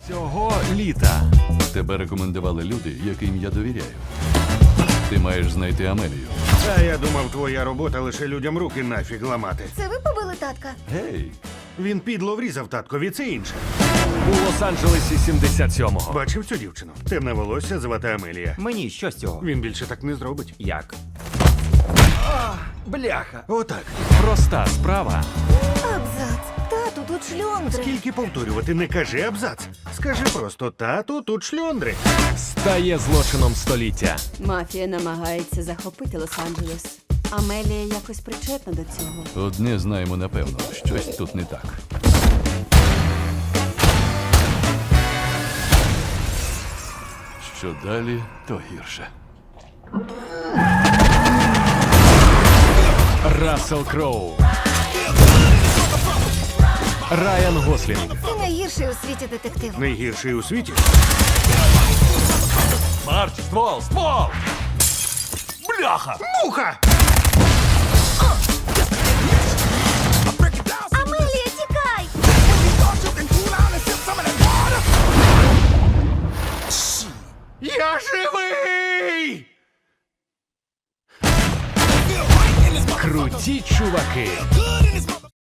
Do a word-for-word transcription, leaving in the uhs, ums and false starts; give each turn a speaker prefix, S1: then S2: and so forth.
S1: Цього літа тебе рекомендували люди, яким я довіряю. Ти маєш знайти Амелію.
S2: А я думав, твоя робота лише людям руки нафіг ламати.
S3: Це ви побили татка?
S1: Гей,
S2: Він підло врізав таткові, це інше.
S1: у Лос-Анджелесі сімдесят сьомого.
S2: Бачив цю дівчину? Темне волосся, звати Амелія.
S4: Мені що з цього?
S2: Він більше так не зробить.
S4: Як? Бляха!
S2: Отак.
S1: Проста справа
S3: Абзац. Тату, тут шльондри.
S2: Скільки повторювати, не кажи абзац. Скажи просто тату, тут шльондри.
S1: стає злочином століття.
S5: Мафія намагається захопити Лос-Анджелес. Амелія якось причетна до цього.
S1: Одне знаємо напевно, щось тут не так. Що далі, то гірше. Рассел Кроу. Райан Гослінг.
S3: Це найгірший у світі детектив.
S2: Найгірший у світі.
S1: Марч, ствол, ствол! Бляха!
S2: Муха!
S3: Амелія, тікай!
S2: Я живий!
S1: Круті чуваки.